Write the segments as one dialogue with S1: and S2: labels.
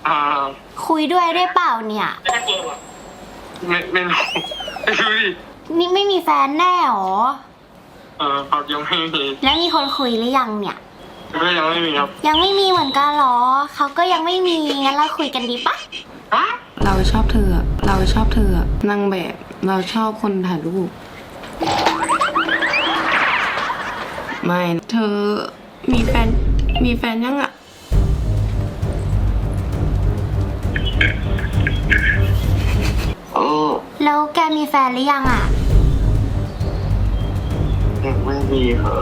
S1: อ่า
S2: คุยด้วยได้เปล่าเนี่ย
S1: ไม่รู้ไม่รู้ดิ
S2: นี่ไม่มีแฟนแน่หรอ
S1: ครับยังไม่มี
S2: แล้วมีคนคุยหรือยังเนี่ย
S1: ก็ยังไม่มีครับ
S2: ยังไม่มีเหมือนกันเหรอ เขาก็ยังไม่มี งั้นเราคุยกันดีปะ
S3: เราชอบเธอ เราชอบเธอนางแบบ เราชอบคนถ่ายรูป ไม่ เธอมีแฟนยังอะ
S1: โอ้
S2: แล้วแกมีแฟนหรือยังอ่ะ
S1: ยังไม่มีครับ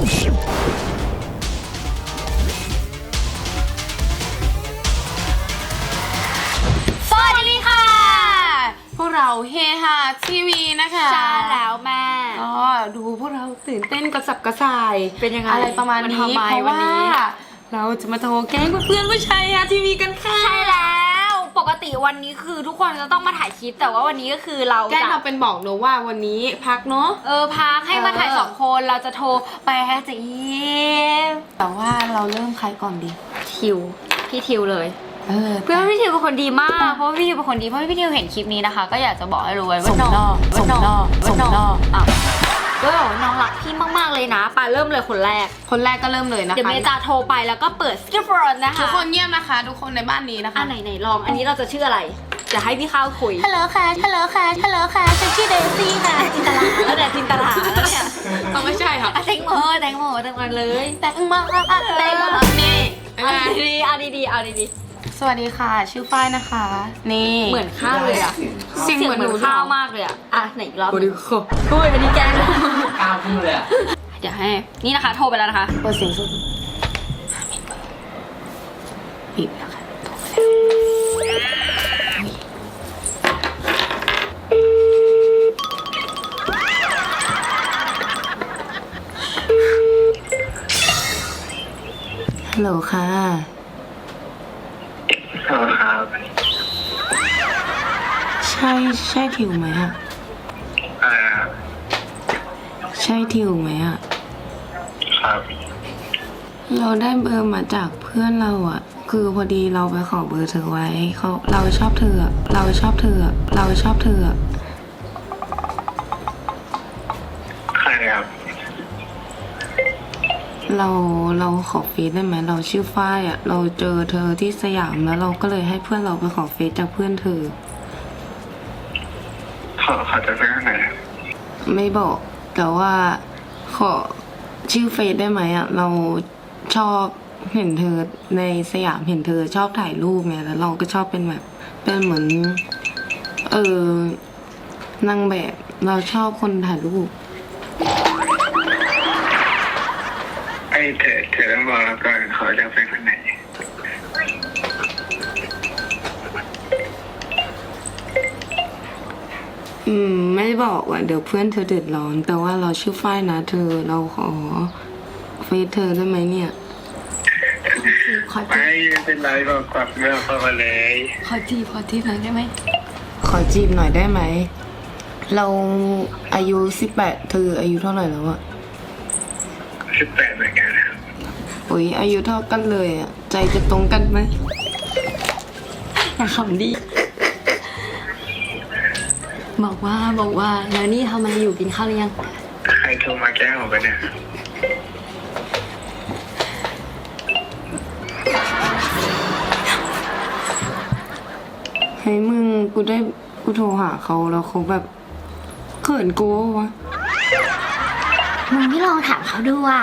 S3: สวัสดีค่ะ พวกเราเฮฮาทีวีนะคะ
S2: ใช่แล้วแม่
S3: ก็ดูพวกเราตื่นเต้นกระสับกระส่าย
S2: เป็นยังไง
S3: อะไรประมาณ
S2: มัน
S3: นี้
S2: ทำไม
S3: เพราะ
S2: วัน
S3: ว่า
S2: นี้
S3: เราจะมาโทรแก๊งเพื่อนๆผู้ชายฮาทีวีกันค่ะ
S2: ใช่แล้ว ปกติวันนี้คือทุกคนจะต้องมาถ่ายคลิป แต่ว่าวันนี้ก็คือเรา
S3: แกล้ง
S2: จะ
S3: เราเป็นบอกเนอะว่าวันนี้พักเนาะ
S2: พักให้มาถ่ายสองคน เราจะโทรไปให้เจะยิ้ม
S3: แต่ว่าเราเริ่มใครก่อนดี
S2: ทิว พี่ทิวเลย เพื่อนพี่ทิวเป็นคนดีมาก เพราะว่าพี่ทิวเป็นคนดี เพราะว่าพี่ทิวเห็นคลิปนี้นะคะ ก็อยากจะบอกให้รู้ไว้ว่า
S3: สมนอก
S2: ว่า
S3: สมนอกสมนอก
S2: อ้าวก็บอกว่าน้องรักพี่มากๆเลยนะปาเริ่มเลยคนแรก
S3: คนแรกก็เริ่มเลยนะคะ
S2: เดี๋ยวเมย์จะโทรไปแล้วก็เปิดสกิปโฟนนะคะ
S3: ทุกคนเงียบนะคะ ทุกคนในบ้านนี้นะคะ
S2: ไหนลอง อันนี้เราจะชื่ออะไร จะให้พี่ข้าวคุย ฮัลโหลค่ะ ฮัลโหลค่ะ ฮัลโหลค่ะ ฉันชื่อเดซี่ค่ะ จินตลาแล้วเนี่ยจินตลาแล้วเนี่ย
S3: เอาไม่ใช่ค่ะ
S2: อ่ะแตงโมเลยแตงโมนี่ เอาดีๆเอาดี
S3: สวัสดีค่ะ ชื่อฝ้ายนะคะ นี่
S2: ๆเหมือนข้าวเลยอ่ะ
S3: เสียงเหมือนหนู
S2: ข้าวมากเลยอ่ะ อ่ะไหนอีกรอบ
S3: สวัสดีค่ะ
S2: โอ้ยอันนี้แกง
S1: กล้าพูดเลยอ่ะ
S2: เดี๋ยวให้ นี่นะคะ โทรไปแล้วนะคะ
S3: เปิดเสียงสุดปิดแล้วค่ะฮัลโหลค่ะ
S1: ครับ
S3: ใช่ทิวไหมอะ
S1: อ่า
S3: ใช่ทิวไหมอะ
S1: ครับ
S3: เราได้เบอร์มาจากเพื่อนเราอะคือพอดีเราไปขอเบอร์เธอไว้เราชอบเธอ เราชอบเธอ เราชอบเธอ
S1: ใครครับ
S3: เราขอเฟซได้ไหมเราชื่อฝ้ายอะเราเจอเธอที่สยามแล้วเราก็เลยให้เพื่อนเราไปขอเฟซจากเพื่อนเธอ
S1: ขอจะเป็นข้างไหน
S3: ไม่บอกแต่ว่าขอชื่อเฟซได้ไหมอะเราชอบเห็นเธอในสยามเห็นเธอชอบถ่ายรูปไงแล้วเราก็ชอบเป็นแบบเป็นเหมือนนางแบบเราชอบคนถ่ายรูป
S1: ไอ้เธอต้องบอกเราก่อนขอจะเป็นข้างไหน
S3: ไม่บอกว่าเดี๋ยวเพื่อนเธอเดือดร้อนแต่ว่าเราชื่อฝ้ายนะเธอเราขอเฟซเธอได้ไหมเนี่ยขอจี
S1: ไม่เป็นไรบอกกลับเรื่องเข้ามาเลย
S2: ขอจีบหน่อยได้ไหม
S3: ขอจีบหน่อยได้ไหมเราอายุ18เธออายุเท่าไหร่แล้วอะ
S1: 18เหมือนกันครับ
S3: โอ้ยอายุเท่ากันเลยอะใจจะตรงกันไหม
S2: อย่าขำดิบอกว่าแล้วนี่ทำอะไรอยู่กินข้าวหรือยัง
S1: ใครโทรมาแกล้งผมไปเนี่ย
S3: เฮ้ยมึงกูโทรหาเขาแล้วเขาแบบเขินกูวะ
S2: มึงไม่ลองถามเขาดูอ่ะ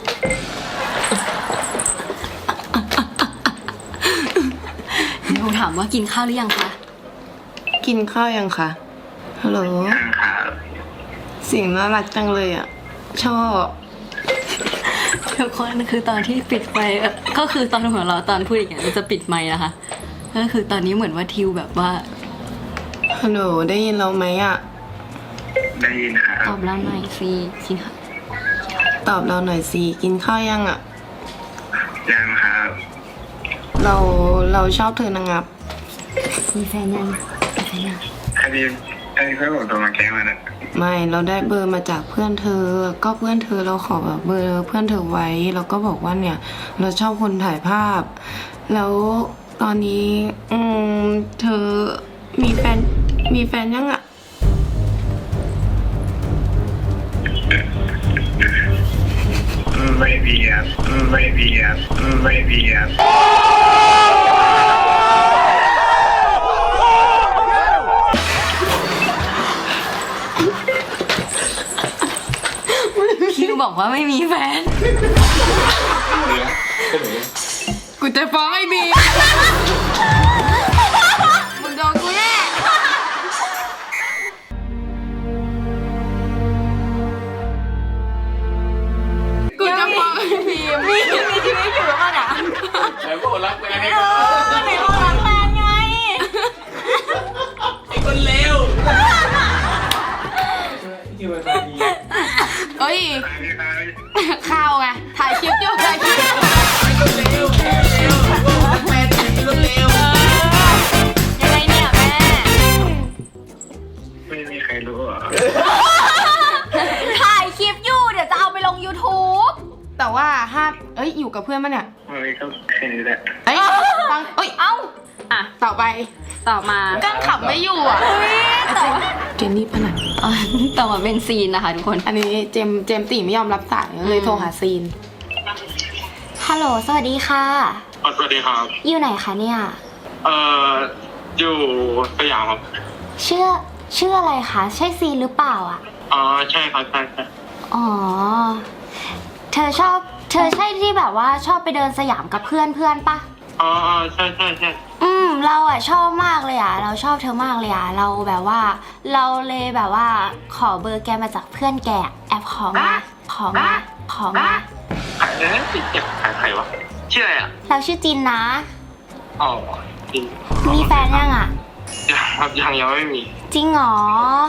S2: หนูถามว่ากินข้าวหรือยังคะ
S3: กินข้าวยังคะฮัลโหล
S1: ทางข่าว
S3: เสียงน่ารักจังเลยอะชอบ
S2: ทุกคนคือตอนที่ปิดไฟก็คือตอนหัวเราะตอนพูดอย่างเงี้ยมันจะปิดไมค์นะคะก็คือตอนนี้เหมือนว่าทิวแบบว่า
S3: ฮัลโหลได้ยินเราไหมอะ
S1: ได้ยินครั
S2: ตอบ บเราหน่อยสิกินข้าว
S3: ตอบเราหน่อยสิกินข้าวยังอะ
S1: ยังครับ
S3: เราชอบเธอนะงับ
S2: มีแฟนยังมีแฟนยัง
S1: ไอ้เพื่อนผมโทรมาแกล้งมาเนี่ย
S3: ไม่เราได้เบอร์มาจากเพื่อนเธอ ก็เพื่อนเธอเราขอแบบเบอร์เพื่อนเธอไว้เราก็บอกว่าเนี่ย เราชอบคนถ่ายภาพ แล้วตอนนี้ เธอมีแฟนยังอะ
S1: ไม่มีครับไม่มีครับไม่มีครับ
S2: คิวบอกว่าไม่มีแฟน
S3: กูจะฟ้องไอ้บีมึงโดนกูแน่กูจะฟ้องไอ้บี
S2: มีชีวิตอยู่หรือเปล่าเนี่ย
S4: ไหนบอกรักแฟนไง
S2: ก็ไหนบอกรักแฟนไง
S4: ไอ้คนเลวที่มันดี
S3: เอ้ย
S1: พี่นาย
S3: ข่าวไงถ่ายคลิปอยู่ถ่ายคลิปอยู่
S4: ไอ้คนเลวบอกรักแฟนไอ้คนเลว
S2: ยังไงเนี่ยแม่
S1: ไม่มีใครรู้เหรอ
S2: ถ่ายคลิปอยู่เดี๋ยวจะเอาไปลง YouTube
S3: แต่ว่าห้ามอยู่กับเพื่อนมาเนี่ย
S1: ไม่ก็แค่นี้แหละ
S3: ฟัง
S2: เอ้าอ่ะ
S3: ต่อไป
S2: ต่อมา
S3: กั้งขับไม่อยู่อ่ะเจนนี่ปะน่ะ
S2: ต่อมาเป็นซีนนะคะทุกคน
S3: อันนี้เจมส์ตีไม่ยอมรับสายเลยโทรหาซีน
S2: ฮัลโหลสวัสดีค่ะ
S1: สวัสดีครับ
S2: อยู่ไหนคะเนี่ย
S1: อยู่สยามครับ
S2: ชื่ออะไรคะใช่ซีนหรือเปล่าอ่ะ
S1: ใช่ครับใช่ใช่
S2: อ๋อ เธอใช่ที่แบบว่าชอบไปเดินสยามกับเพื่อนปะ
S1: ใช่ใช่ใช่
S2: เราอ่ะชอบมากเลยอ่ะ เราชอบเธอมากเลยอ่ะ เราแบบว่า เราเลยแบบว่าขอเบอร์แกมาจากเพื่อนแกแอบขอมา
S1: ใครติดเจ็บใครวะชื่ออะไรอ่ะ
S2: เราชื่อจินนะ
S1: อ๋อจริง
S2: มีแฟนยังอ่ะ
S1: ยังไม่มี
S2: จริงเหรอ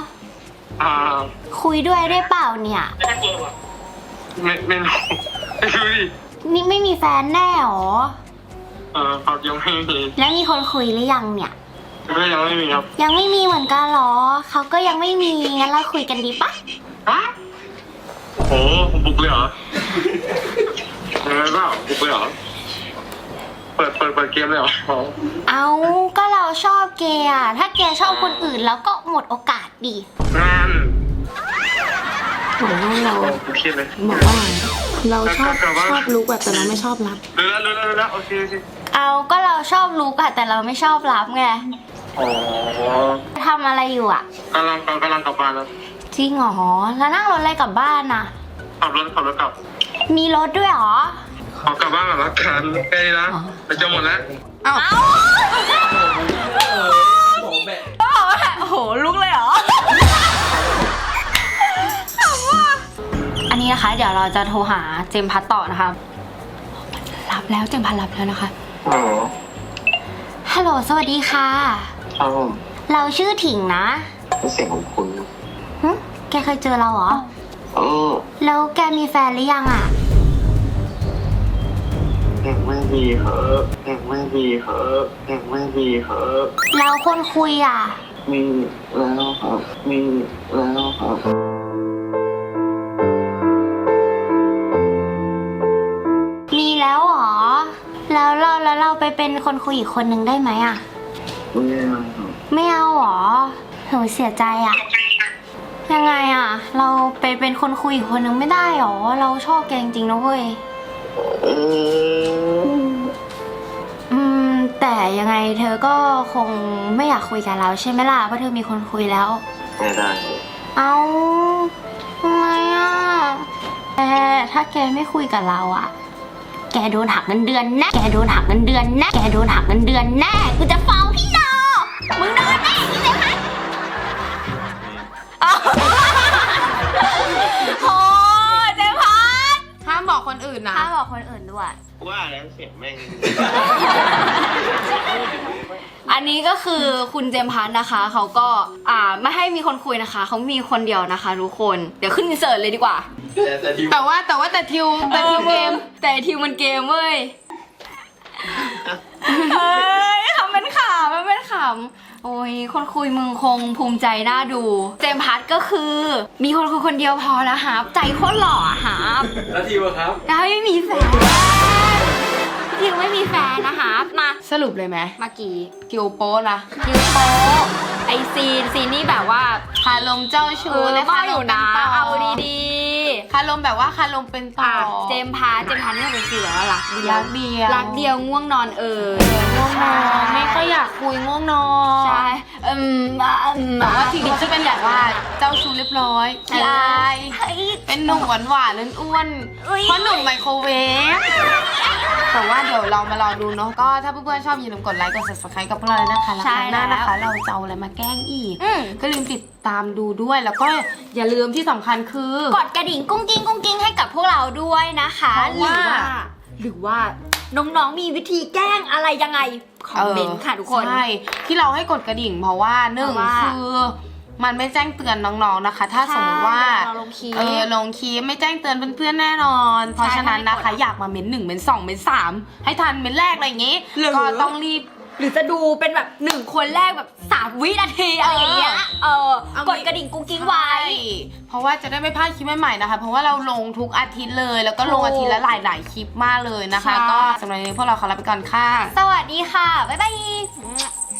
S2: คุยด้วยได้เปล่าเนี่ย
S1: ไม่รู้ไม่รู้ดิ
S2: นี่ไม่มีแฟนแน่หรอ
S1: ครับยังไม่มี
S2: แล้วมีคนคุยหรือยังเนี่ย
S1: ก็ยังไม่มีครับ
S2: ยังไม่มีเหมือนกันเหรอ เขาก็ยังไม่มี งั้นเราคุยกันดีปะ
S1: โอ้บุกเลยเหรอยังไงบ้างบุกเลยเหรอเปิดเกมเลยเหรอ
S2: เอาก็เราชอบแกอ่ะ ถ้าแกชอบคนอื่นแล้วก็หมดโอกาสดิ
S1: นั่น
S3: บอกว่าเรา
S1: กูเครียดเลย
S3: บอกว่าเราชอบลุกแบบแต่เราไม่ชอบรับ
S1: รู้แล้วโอเค
S2: เอาก็เราชอบรู้อะแต่เราไม่ชอบรับไง
S1: อ๋อ
S2: ทำอะไรอยู่อ่ะ
S1: กำลังกลับบ้านแล้ว
S2: จริงเหรอ แล้วนั่งรถอะไรกลับบ้านน่ะ
S1: ขับรถกลับ
S2: มีรถด้วยเหรอ
S1: ขอกลับบ้านก่อนละกันใกล้ละไปจะหมดแล้ว
S3: เอ้า
S4: บอกแบบ
S2: โอ้โหลุกเลยเหรอ อันนี้นะคะ เดี๋ยวเราจะโทรหาเจมส์พัทต่อนะคะ รับแล้วเจมส์พัทรับแล้วนะคะ
S1: อ๋อ
S2: ฮัลโหลสวัสดีค่ะ
S1: ครับผม
S2: เราชื่อถิงนะ
S1: เสียงของคุณ
S2: หึแกเคยเจอเราเหรอ แล้วแกมีแฟนหรือยังอ่ะ
S1: ยังไม่มีเหรอยังไม่มีเหรอยังไม่มีเหรอ
S2: แล้วคนคุยอ่ะ
S1: มีแล้วครับมีแล้วครับ
S2: มีแล้วเหรอ แล้วเราไปเป็นคนคุยอีกคนนึงได้ไหมอ่ะ
S1: ไม่เอาครับ
S2: ไม่เอาเหรอหนูเสียใจอ่ะ ยังไงอ่ะ เราไปเป็นคนคุยอีกคนนึงไม่ได้หรอ เราชอบแกจริงๆนะเว้ย แต่ยังไงเธอก็คงไม่อยากคุยกับเราใช่ไหมล่ะ เพราะเธอมีคนคุยแล้ว
S1: ไม่ได้
S2: เอาทำไมอ่ะแต่ถ้าแกไม่คุยกับเราอ่ะ แกโดนหักเงินเดือนแน่ แกโดนหักเงินเดือนแน่ แกโดนหักเงินเดือนแน่ กูจะฟ้องพี่โนมึงโดนแน่ใช่ไหมโอ้เจ๊พัด
S3: ห้ามบอกคนอื่นนะ
S2: ถ้าบอกคนอื่นด้วย
S1: ว่าแล้วเสียงแม่ง
S2: อันนี้ก็คือคุณเจมส์พัทนะคะ เขาก็ไม่ให้มีคนคุยนะคะ เขามีคนเดียวนะคะทุกคน เดี๋ยวขึ้นอินเสิร์ตเลยดีกว่า
S4: แต่ที
S3: แต่ทิวเกม
S2: แต่ทีมมันเกมเว้ย เฮ้ยทำเป็นขำมันเป็นขำโอ้ยคนคุยมึงคงภูมิใจน่าดู เจมส์พัทก็คือ มีคนคุยคนเดียวพอแล้วครับใจโคตรหล่อครับ
S4: แล้วทีวะครับ
S2: แล้วไม่มีแฟนทิวไม่มีแฟนนะคะมา
S3: สรุปเลยไหม
S2: เมื่อกี้
S3: คิวโป้นะ
S2: คิวโปไอซีนนี่แบบว่า
S3: คารมเจ้าชู้และ
S2: ก็
S3: คาร
S2: อยู่
S3: มเป็น
S2: นะ
S3: ต่อ
S2: เอาดี
S3: คารมแบบว่าคารมเป็น
S2: ๆ
S3: ต่อ
S2: เจมพานี่เป็นฟีลแบบว่ารักเดียว
S3: รักเดียว
S2: รักเดียวง่วงนอน
S3: ง่วงนอนไม่ค่อยอยากคุยง่วงนอน
S2: ใช่
S3: แต่ว่าทีนี้จะเป็นแบบว่าเจ้าชู้เรียบร้อยขี้อาย เป็นหนุ่มหวานๆอ้วนๆเพราะหนุ่มไมโครเวฟแต่ว่าเดี๋ยวเรามารอดูเนาะก็ถ้าเพื่อนๆชอบอย่าลืมกดไลค์กด subscribe กับพวกเราเลยนะคะแล้วครั้งหน้านะคะ เราจะเอาอะไรมาแกล้งอีกก็ลืมติดตามดูด้วยแล้วก็อย่าลืมที่สำคัญคือก
S2: ดกระดิ่งกุ้งกิ้งให้กับพวกเราด้วยนะคะ
S3: เพราะว่า
S2: หรือว่าน้องๆมีวิธีแกล้งอะไรยังไงคอมเมนต์ค่ะทุกคน
S3: ใช่ที่เราให้กดกระดิ่งเพราะว่าหนึ่ง
S2: เพราะว่า
S3: คือมันไม่แจ้งเตือนน้องๆนะคะ ถ้าสมมติว่า
S2: เราลงคลิป
S3: ลงคลิปไม่แจ้งเตือนเพื่อนๆแน่นอน เพราะฉะนั้นนะคะ อยากมาเม้น1เม้น2เม้น3ให้ทันเม้นแรกอะไรอย่างงี้
S2: หรือ
S3: ก็ต้องรีบ
S2: หรือจะดูเป็นแบบ1คนแรกแบบ3 วินาทีอะไรอย่างเงี้ยกดกระดิ่งกุ้งกิ้งไว้
S3: ใช่เพราะว่าจะได้ไม่พลาดคลิปใหม่ๆนะคะ เพราะว่าเราลงทุกอาทิตย์เลย แล้วก็ลงอาทิตย์ละหลายๆคลิปมากเลยนะคะ
S2: ใช่
S3: ก็สำหรับวันนี้พวกเราขอลาไปก่อนค่ะ
S2: สวัสดีค่ะ บ๊ายบาย